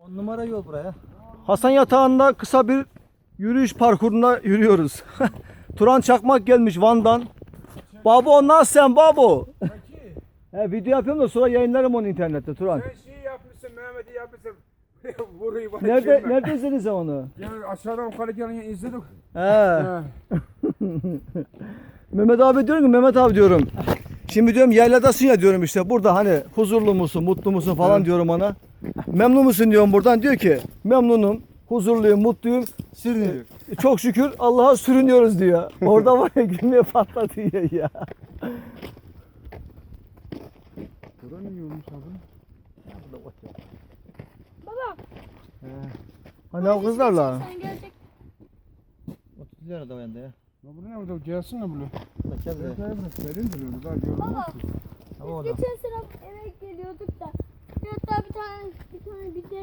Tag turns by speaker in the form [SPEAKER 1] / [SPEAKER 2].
[SPEAKER 1] 10 numara yol buraya.
[SPEAKER 2] Hasan Yatağı'nda kısa bir yürüyüş parkuruna yürüyoruz. Turan Çakmak gelmiş Van'dan. Babo nasılsın babo? He, video yapıyorum da sonra yayınlarım onu internette Turan.
[SPEAKER 3] Sen şey yapmışsın, Mehmet'i yapmışsın. Vuruyu bana
[SPEAKER 2] Nerede izledin sen onu?
[SPEAKER 3] Yani aşağıdan yukarı gelin izledik.
[SPEAKER 2] He. Mehmet abi diyorum ki Mehmet abi diyorum. Şimdi diyorum yayladasın ya diyorum işte burada hani huzurlu musun, mutlu musun falan diyorum ona. Memnun musun diyorum buradan. Diyor ki memnunum, huzurluyum, mutluyum.
[SPEAKER 1] Sürünüyor.
[SPEAKER 2] Çok şükür Allah'a sürünüyoruz diyor. Orada var ya gülmeye patlatıyor ya.
[SPEAKER 3] Burada ne yiyormuş abi?
[SPEAKER 4] Baba.
[SPEAKER 2] Hani o kızlarla.
[SPEAKER 4] Sen gelecek.
[SPEAKER 1] 30 lira da o yanda ya.
[SPEAKER 3] Ya bu ne burada? Gelsin ne böyle?
[SPEAKER 1] Bak gel
[SPEAKER 3] Ben
[SPEAKER 1] buraya.
[SPEAKER 3] bırak. Serin duruyordu daha görmüyor
[SPEAKER 4] Baba.
[SPEAKER 3] ki.
[SPEAKER 1] Tamam
[SPEAKER 4] Biz
[SPEAKER 1] oradan.
[SPEAKER 4] geçen sene eve geliyorduk da. Hatta bir tane bir de